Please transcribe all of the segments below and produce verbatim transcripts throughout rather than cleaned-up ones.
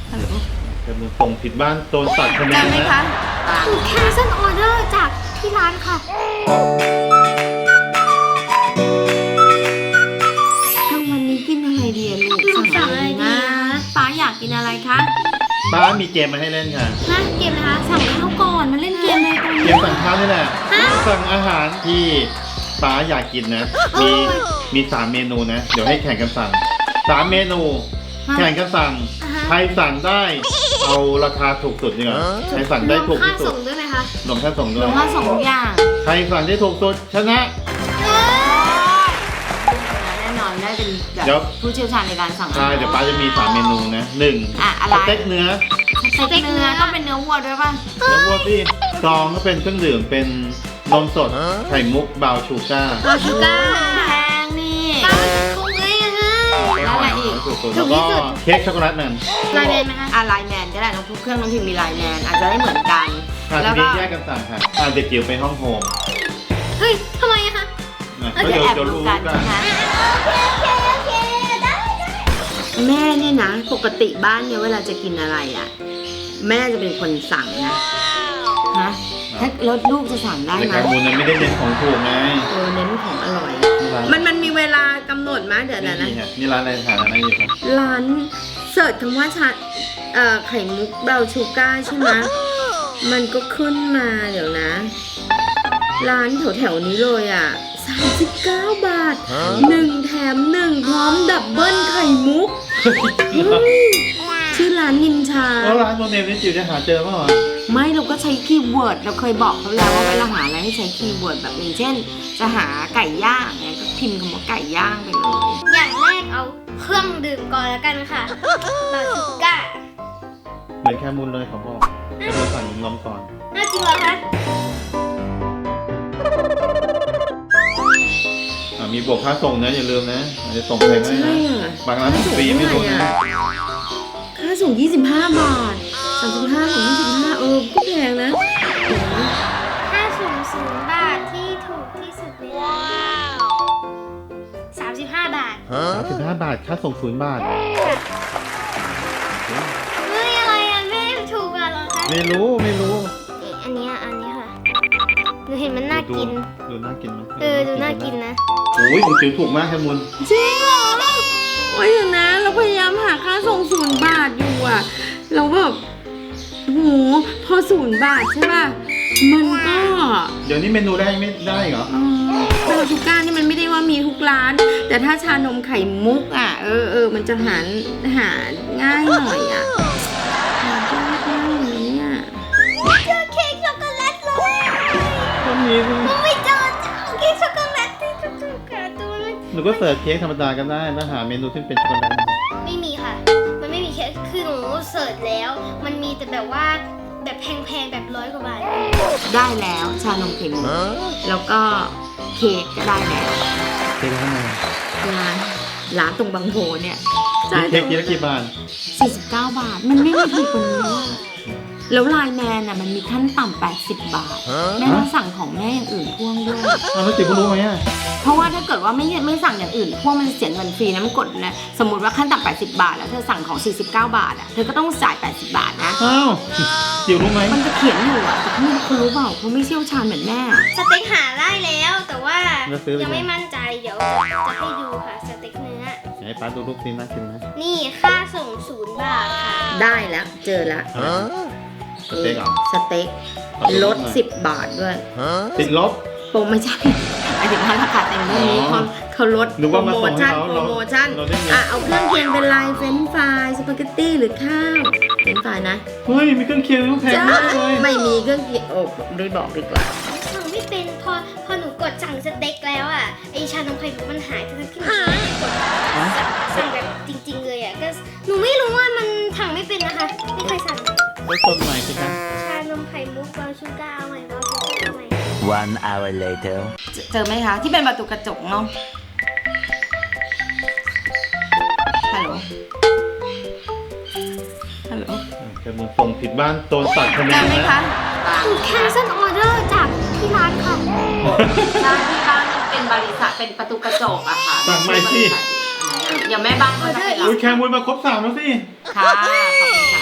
ฮัลโหลจะมือส่งผิดบ้านโดนตัดคะแนนจำไหมนะคะถูก cancel order จากที่ร้านค่ะกลางวันนี้กินอะไรดีอะลูกสั่งอะไรนะป้าอยากกินอะไรคะป้ามีเกมมาให้เล่นค่ะนะเกมนะคะสั่งข้าวก่อนมาเล่นเกมอะไรกันเกมสั่งข้าวนี่แหละสั่งอาหารที่ป้าอยากกินนะมีมีสามเมนูนะเดี๋ยวให้แข่งกันสั่งสามเมนูแข่งกันสั่งใครสั่งได้เอาราคาถูกสุดดีกว่าใครสั่งได้ถูกค่าที่สุส่ดงด้วยไหมคะรวมค่าส่งด้รววย มว่าสองอย่างใครสั่งได้ถูกสุดชนะแน่นอนได้เป็นเดี๋แบยวบผู้เชี่ยวชาญในการสั่งอาใช่หารเดี๋ยวป้าจะมีสามเมนูนะหนึ่งอ่ะอะไรสเต็กเนื้อสเต็กเนื้อต้องเป็นเนื้อวัวด้วยป่ะแล้ววัวที่สองก็เป็นเครื่องดื่มเป็นนมสดไข่มุกบราวน์ชูก้าบาชูก้าแพงนี่ป้าคงเลยอะฮะแล้วอะไรอีกแล้วก็เค้กช็อกโกแลตแมนลายแมนไหมคะอะไลน์แมนก็ได้น้องทุกเครื่องน้องพิมมีไลน์แมนอาจจะได้เหมือนกันค่ะแล้วทีก็นี้แยกกันสั่งค่ะอ่าเด็กจิ๋วไปห้องโฮมเฮ้ยทำไมอะคะนะก็ก็จะเดี๋ยวแอบจะดูรู้กักัน นใช่ไหมโอเคโอเคได้แม่เนี่ยนะปกติบ้านเนี่ยเวลาจะกินอะไรอ่ะแม่จะเป็นคนสั่งนะฮะถ้ารถลูกจะสั่งได้ในไหมการมูลนั้นไม่ได้เน้นของถูกไงเออเน้นของอร่อยนี่ร้านมันมันมีเวลากำหนดไหมเดี๋ยวนะนะนี่ค่ะนี่ร้านอะไรทานอะไรอยู่ครับร้านเสิร์ชคำว่าชาเอ่อไข่มุกบราวน์ชูก้าใช่ไหมมันก็ขึ้นมาเดี๋ยวนะ ร้านแถวแถวๆนี้เลยอ่ะสามสิบเก้าบาทหนึ่งแถมหนึ่งพร้อมดับเบิลไข่มุกเฮ้ยชื่อร้านนินชาแล้วร้านโมเนลนี่จิ๋วจะหาเจอเปล่าวะไม่เราก็ใช้คีย์เวิร์ดเราเคยบอกเขาแล้วว่าเวลาหาอะไรให้ใช้คีย์เวิร์ดแบบอย่างเช่น จะหาไก่ย่างเนี่ยก็พิมพ์คำว่าไก่ย่างไปเลยอย่างแรกเอาเครื่องดื่มก่อนแล้วกันค่ะบาชูก้าเหมือนแค่มูลเลยเขาบอกจะมาสั่งนมก่อนน่าจริงเหรอคะอ่ามีบวกค่าส่งนะอย่าลืมนะอาจจะส่งแพงได้ใช่นะอะบางร้านส่งฟรีไม่รู้นะค่าส่งยี่สิบห้าบาทสามสิบห้าถึงยี่สิบห้าเออก็แพงนะโอ้โหค่าส่งศูนย์บาทที่ถูกที่สุดในร้านสามสิบห้าบาทสามสิบห้าบาทค่าส่งศูนย์บาทเฮ้ยอะไรอ่ะแม่ถูกอ่ะเหรอคะไม่รู้ไม่รู้นี่อันเนี้ยอันนี้ค่ะหนูเห็นมันน่ากินดูน่ากินไหมเออดูน่ากินนะโอ้ยคุณจิ๋วถูกมากแค่มูลจริงเหรอโอ้ยเดี๋ยวนะเราพยายามหาค่าส่งศูนย์บาทอยู่อะเราแบบโหพอศูนย์บาทใช่ป่ะมันก็เดี๋ยวนี้เมนูแรกไม่ได้เหรอเออบราวน์ชูก้านี่มันไม่ได้ว่ามีทุกร้าน แต่ถ้าชานมไข่มุกอ่ะเออเออมันจะหาหาง่ายหน่อยอ่ะหายากมากเลยเนี่ยเจอเค้กช็อกโกแลตเลยก็มีสิมันไม่เจอเจ้าเค้กช็อกโกแลตที่ถูกๆค่ะตัวมันหนูก็เสิร์ชเค้กธรรมดากันได้แล้วหาเมนูที่เป็นช็อกโกแลตไม่มีค่ะ มันไม่มีเค้กคือหนูเสิร์ชแล้ว มันมีแต่แบบว่าแบบแพงๆแบบร้อยกว่าบาทได้แล้วชานมไข่มุกแล้วก็เค้กก็ได้แล้วเค้กข้างในร้านร้านตรงบางโพเนี่ยเค้กกินละกี่บาทสี่สิบเก้าบาท มันไม่มีถูกกว่านี้อะแล้วไลน์แมนอ่ะมันมีขั้นต่ำแปดสิบบาท แม่ต้องสั่งของแม่อย่างอื่นพ่วงด้วยอ้าวแล้วจิ๋วก็รู้ไหมอ่ะเพราะว่าถ้าเกิดว่าไม่ไม่สั่งอย่างอื่นพวกมันเสียเงินฟรีนะมันกดนะสมมติว่าขั้นต่ำแปดสิบบาทแล้วเธอสั่งของสี่สิบเก้าบาทอ่ะเธอก็ต้องจ่ายแปดสิบบาทนะอ้าวจิ๋วรู้ไหมมันจะเขียนอยู่อ่ะแต่ไม่รู้เขารู้เปล่าเขาไม่เชี่ยวชาญเหมือนแม่สเต็กหาได้แล้ว แต่ว่าแล้วซื้อไปยังไหนไม่มั่นใจเดี๋ยวจะให้ดูค่ะสเต็กเนื้อไหนป้าดูรูปซิน่ากินไหมนี่ค่าส่งศูนย์บาทค่ะได้แล้วเจอแล้วสเต็กเหรอสเต็กลดสิบบาทด้วยติดลบโปรไม่ใช่หมายถึงว่าราคาเต็มเท่านี้อ๋อเขาเขาลดนึกว่ามาโปรส่งโมให้ชั่นเขาโปรโมชั่นเราได้เงินอ่ะเอาเครื่องเคียงเป็นลายเฟรนช์ฟรายสปาเกตตี้หรือข้าวเฟรนช์ฟรายนะเฮ้ยมีเครื่องเคียงต้องแพงจ้ามากเลยไม่มีเครื่องเคียงโอ้ไม่บอกดีกว่าสั่งไม่เป็นพอพอหนูกดสั่งสเต็กแล้วอ่ะไอชานมไข่มุกมันหายทั้งที่หนูไม่ได้กดสั่งแบบจริง ๆ เลยอ่ะก็หนูไม่รู้ว่ามันสั่งไม่เป็นนะคะไม่เคยสั่งไปคนใหม่สิครับชานมไข่มุกบราวน์ชูก้าเอาใหม่บราวน์ชูก้าเอาใหม่ One hour later. เจอเจอไหมคะ ที่เป็นประตูกระจกเนาะฮัลโหลฮัลโหลจะมือส่งผิดบ้านโดนตัดคะแนนจำไหมนะคะถูก cancel order จากที่ร้านค่ะร้านที่บ้านเป็นบริษัทเป็นประตูกระจกอะค่ะสั่งใหม่สิเดี๋ยวแม่บ้านเขาจะไปรับอุ้ยแคมูลมาครบสามแล้วสิค่ะขอบคุณค่ะ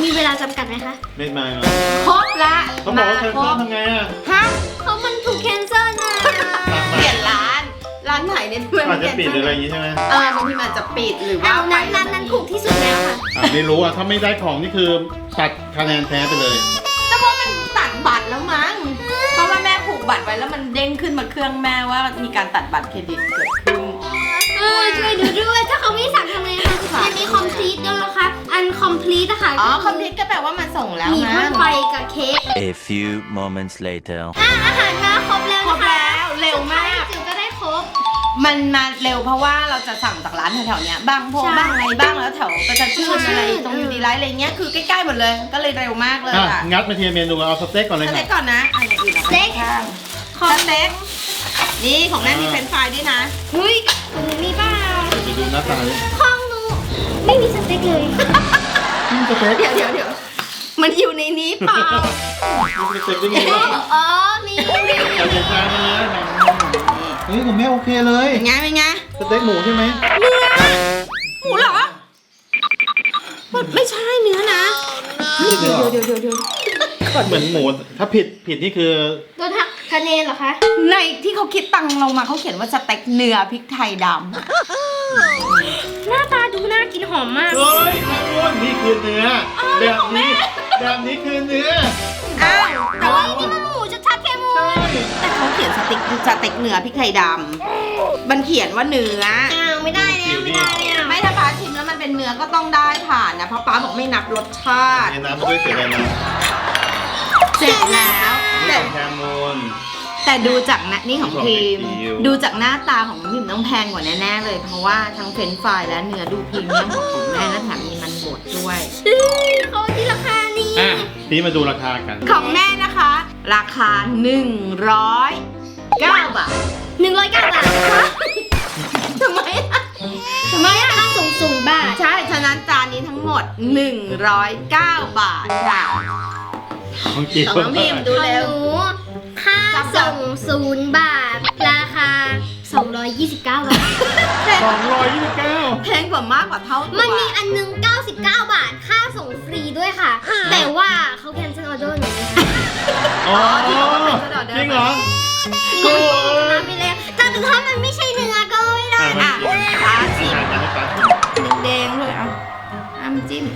มีเวลาจำกัดไหมคะไม่มาเหรอครบละเขาบอกว่าแคนเซิลทำไงอ่ะฮะเขามันถูกแคนเซิลนะเปลี่ยนร้าน ร้านไหนเนี่ยทำไมอาจจะปิดหรืออะไรอย่างงี้ใช่ไหมเออบางทีมันจะปิดหรือว่าเอานั้นนั้นนั้นถูกที่สุดแล้วค่ะอ่ะไม่รู้อ่ะถ้าไม่ได้ของนี่คือตัดคะแนนแพ้ไปเลยแต่ว่ามันตัดบัตรแล้วมั้ง เพราะว่าแม่ผูกบัตรไว้แล้วมันเด้งขึ้นมาเครื่องแม่ว่ามีการตัดบัตรเครดิตเกิดขึ้นเออช่วยดูด้วยถ้าเขาไม่สั่งทำไงคะมันมี complete ด้วยนะคะ อัน complete อะค่ะอ๋อคอมพิวก็แปลว่ามันส่งแล้วมีนะพ่นไฟกับเค้ก A few moments later. อ่ะอาหารมาครบแล้วครนะบคะแล้วเร็วมากจิ๋วก็ได้ครบมันมาเร็วเพราะว่าเราจะสั่งจากร้านแถวๆเนี้ยบางโพใช่บ้างอะไรบ้างแล้วแถวประจันชื่นอะไรใช่ตรงยูดีไลท์อะไรเงี้ยคือใกล้ๆหมดเลย ก็เลยเร็วมากเลยอ่ะอ่ะงัดมาทีละเมนูเอาสเต็กก่อนเลยสค่ะเต็กก่อนนะอ่ะอย่างอื่นเอาไปข้างสเต็กนี่ของแม่มีเฟรนช์ฟรายด้วยนะเฮ้ยของหนูมีเปล่าไปดูหน้าตาเลยของหนูไม่มีสเต็กเลยนี่สเต็กเดี๋ยวเดี๋ยวเดี๋ยวมันอยู่ในนี้เปล่านี่สเต็กได้ไงวะอ๋อ มีแต่เด็กชายมาเลยเฮ้ยผมไม่โอเคเลยเป็นไงเป็นไงสเต็กหมูใช่ไหมหมูเหรอมันไม่ใช่เนื้อนะนี่เดี๋ยวเดี๋ยวเดี๋ยวเดี๋ยวเหมือนหมูถ้าผิดผิดนี่คือโดนหักคะแนนเหรอคะในที่เขาคิดตังค์เรามาเขาเขียนว่าสเต็กเนื้อพริกไทยดำหน้าตาดูน่ากินหอมมากเฮ้ยอ้วนนี่คือเนื้อแบบนี้แบบนี้คือเนื้ออ้าวแต่ว่านี่มันหมูชัดๆแค่หมูใช่แต่เขาเขียนสเต็กสเต็กเนื้อพริกไทยดำมันเขียนว่าเนื้ออ้าวไม่ได้แล้วไม่ได้แล้วไม่ถ้าป้าชิมแล้วมันเป็นเนื้อก็ต้องได้ผ่านนะเพราะป้าบอกไม่นับรสชาติในน้ำมันด้วยเสียแรงนะเสร็จแล้วนี่แต่ของแคมูลแต่ดูจากนะนี่ของพิมพ์ของพิมพ์ดูจากหน้าตาของพิมพ์ต้องแพงกว่าแน่ๆเลย เพราะว่าทั้งเฟรนช์ฟรายและเนื้อดูพรีเมียมกว่าของแม่และแถมมีมันบดด้วยเขาที่ราคานี้อ่ะทีนี้มาดูราคากันของแม่นะคะ ราคาหนึ่งร้อยเก้าบาทหนึ่งร้อยเก้าบาททำไมอะทำไมอะค่าส่งศูนย์บาทใช่ฉะนั้นจานนี้ทั้งหมดหนึ่งร้อยเก้าบาทค่ะของจีของน้องพิมพ์ ดูของเร็วหนูค่าส่งศูนย์บาท ราคาสองร้อยยี่สิบเก้าบาทสองร้อยยี่สิบเก้าแพงกว่ามากกว่าเท่าตัวมันมีอันหนึงเก้าสิบเก้าบาท ค่าส่งฟรีด้วยค่ะ แต่ว่าเขาแคนเซิลออเดอร์หนูนะคะอ๋อจริงเหรอหนูชนะไปแล้วแต่ถ้ามันไม่ใช่เนื้อก็ไม่ได้อ่ะอ่ะปลาชิมอ่ะให้ปลาชิมแดงๆเลยอ่ะน้ำจิ้ม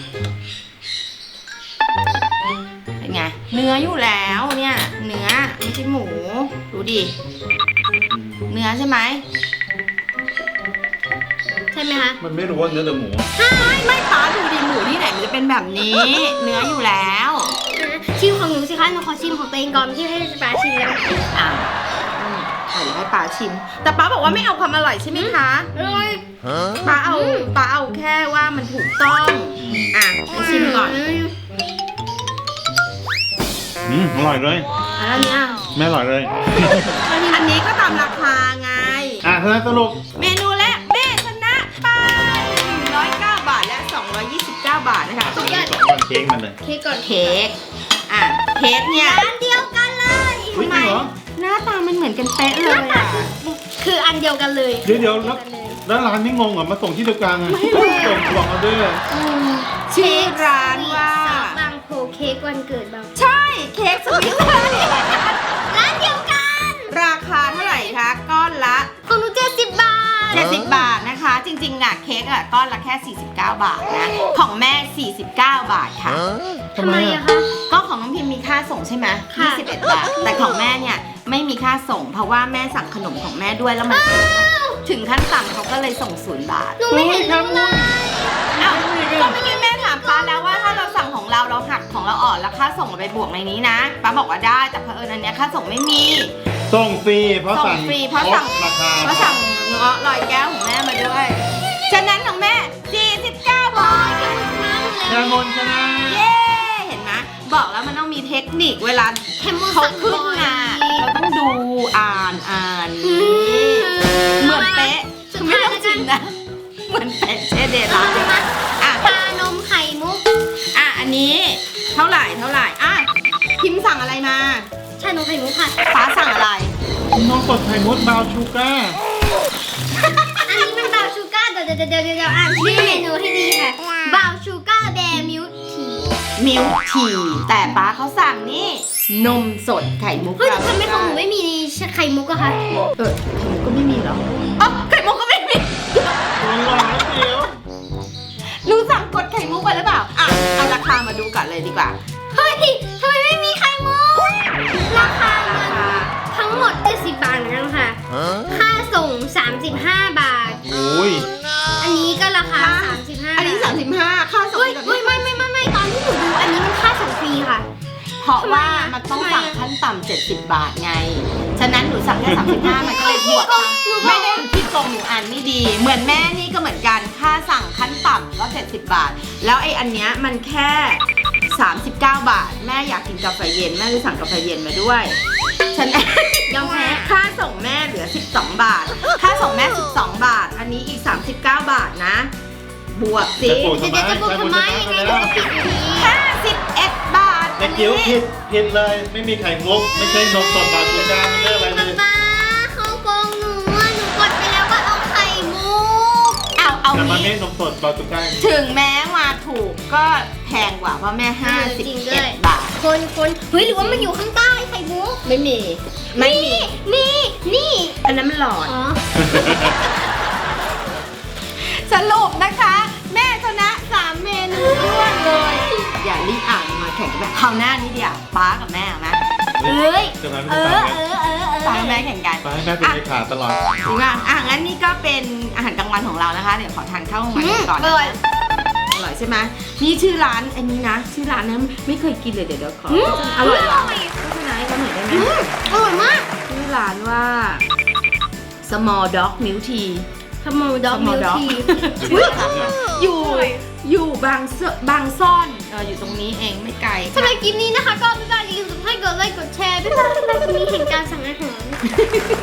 เป็นไง เนื้ออยู่แล้วเนี่ย เนื้อไม่ใช่หมู ดูดิ เนื้อใช่ไหมใช่ไหมคะมันไม่รู้ว่าเนื้อหรือหมูไม่ไม่ป้าดูดิหมูที่ไหนมันจะเป็นแบบนี้ เนื้ออยู่แล้วชิมของหนูสิคะ หนูขอชิมของตัวเองก่อนที่ให้ปลาชิมแล้วอ่ะอืมอ่ะเดี๋ยวให้ป้าชิม แต่ป้าบอกว่าไม่เอาความอร่อยใช่ไหมคะอร่อยป้าเอาป้าเอาแค่ว่ามันถูกต้อง อ่ะให้ชิมก่อนอืมอร่อยเลยอ่ะแล้วเนี่ยไม่อร่อยเลยอันนี้ก็ตามราคาไงอ่ะท่านสรุปเมนูแรกแม่ชนะไปหนึ่งร้อยเก้าบาทและสองร้อยยี่สิบเก้าบาทนะคะสองวันเค้กมันเลยเค้กก่อนเค้ก อ่ะ เค้กเนี่ยอันเดียวกันเลยอุ๊ยจริงเหรอหน้าตามันเหมือนกันเป๊ะเลยอ่ะคืออันเดียวกันเลยเดี๋ยวเดี๋ยวแล้วแล้วร้านไม่งงเหรอมาส่งที่เดียวกันอ่ะส่งบอกออเดอร์ชื่อร้านว่าบางโพเค้กวันเกิดบางใช่ เค้กสวิตเซอร์แลนด์ร้านเดียวกันราคาเท่าไหร่คะ ก้อนละของหนูเจ็ดสิบบาทเจ็ดสิบบาทนะคะ จริงๆน่ะเค้กอ่ะก้อนละแค่สี่สิบเก้าบาทนะ ของแม่สี่สิบเก้าบาทค่ะทำไมอ่ะคะก็ของน้องพิมพ์มีค่าส่งใช่ไหมค่ะยี่สิบเอ็ดบาท แต่ของแม่เนี่ยไม่มีค่าส่ง เพราะว่าแม่สั่งขนมของแม่ด้วยแล้วมันถึงขั้นสั่งเขาก็เลยส่งศูนย์บาทหนูไม่เห็นรู้เลยอ้าวก็เมื่อกี้แม่ถามป้าแล้วว่าถ้าเราสั่งของเราเราหักของเราออกแล้วค่าส่งเราไปบวกในนี้นะป้าบอกว่าได้แต่เผอิญอันเนี้ยค่าส่งไม่มีส่งฟรีเพราะส่สั่งงฟรีเพราะสั่งลดราคาเพราะสั่งเงาะลอยแก้วของแม่มาด้วยฉะนั้นของแม่สี่สิบเก้าบาทแคมนชนะเย้เห็นไหมบอกแล้วมันต้องมีเทคนิคเวลาแคมมูเขาสั่งขึ้นบ่อยมาเราต้องดูอ่านอ่านเหมือนเป๊ะคือไม่ต้องจินนะเหมือนเป๊ะเช่เดลาอ่ะชานมไข่มุกอ่ะอันนี้เท่าไหร่เท่าไหร่อ่ะพิมพ์สั่งอะไรมาชานมไข่มุกค่ะฟ้าสั่งอะไรน้องกดไข่มุดบราวน์ชูการ์อันนี้มันบาวชูการ์เดี๋ยวเดี๋ยวเดี๋ยวเดี๋ยวอ่านชื่อเมนูให้ดีค่ะบาวชูการ์แบร์มิลทีมิลทีแต่ป้าเขาสั่งนี่นมสดไข่มุกเฮ้ยแต่ทำไมของหนูไม่มีไข่มุกอะคะเออไข่มุกก็ไม่มีเหรออ๋อไข่มุกก็ไม่มีตัวร้ายเดียวหนูสั่งกดไข่มุกไปหรือเปล่าอ่ะเอาราคามาดูก่อนเลยดีกว่าเฮ้ยทำไมไม่มีไข่มุกราคามันทั้งหมดเจ็ดสิบบาทเหมือนกันค่ะค่าส่งสามสิบห้าบาทโอ้ยอันนี้ก็ราคาสามสิบห้าอันนี้สามสิบห้าค่าส่งเฮ้ยเฮ้ยไม่ไม่ไม่ไม่ตอนที่หนูดูอันนี้มันค่าส่งฟรีค่ะเพราะว่ามันต้องทำไมสั่งอะขั้นต่ำเจ็ดสิบบาทไง ฉะนั้นหนูสั่งแค่สามสิบห้ามันก็เลยบวกตังค์ไม่ได้ที่ตรงหนูอ่านไม่ดี เหมือนแม่นี่ก็เหมือนกัน ค่าสั่งขั้นต่ำก็เจ็ดสิบบาท แล้วไอ้อันเนี้ยมันแค่สามสิบเก้าบาท แม่อยากกินกาแฟเย็นแม่เลยสั่งกาแฟเย็นมาด้วย ฉัน ยอมแพ้ค่าส่งแม่เหลือสิบสองบาท ค่าส่งแม่สิบสองบาท อันนี้อีกสามสิบเก้าบาทนะ บวกสิจะปวดเดี๋ยวจะบวกทำไมยังไงหนูก็ผิดอยู่ดีห้าสิบเอ็ดบาทเด็กจิ๋วผิดผิดเลยไม่มีไข่มุกไม่ใช่นมสดบาทูก้าไม่ใช่อะไรเลยป๊าเขาโกงหนูอะหนูกดไปแล้วว่าเอาไข่มุกเอาเอาแต่มันไม่งี้นมสดบาทูก้าถึงแม้มาถูกก็แพงกว่าเพราะแม่ห้าสิบจริงด้เอ็วยดบาทคนคนเฮ้ยหรือว่ามันอยู่ข้างใต้ไข่มุกไม่มี ไม่มีนี่นี่อันนั้นมันหลอดอ๋อสรุปนะคะ แม่ชนะสามเมนูรวดเลย อย่ารีบอ่านมาแข่งกันแบบคราวหน้านี้เดียวป้ากับแม่เอาไหมเอ้ยจะมาเอไม่อได้เออเออเออป้ากับแม่แข่งกันไปให้แม่เป็นเลขาตลอดจริงป่ะอ่ะงั้นนี่ก็เป็นอาหารกลางวันของเรานะคะ เดี๋ยวขอทานข้าวกลางวันกันก่อนอนะร่อยอร่อยใช่ไหมนี่ชื่อร้านอันนี้นะ ชื่อร้านนะไม่เคยกินเลยเดี๋ยวเดี๋ยวขออืมอร่อยอเหรร่ออยโฆษณาให้เขาหน่อยได้ไหมอืมอร่อยมากชื่อร้านว่า small dog milk tea ขโมยดอก Small มิล dog ทีอยู่อยู่บางเซบางซ่อนเอออยู่ตรงนี้เองไม่ไกลสำหรับคลิปนี้นะคะก็ไม่ได้อย่าลืมกดไลค์กดไลค์กดแชร์บ๊ายบายสำหรับคลิปนี้เห็นการสั่งอาหาร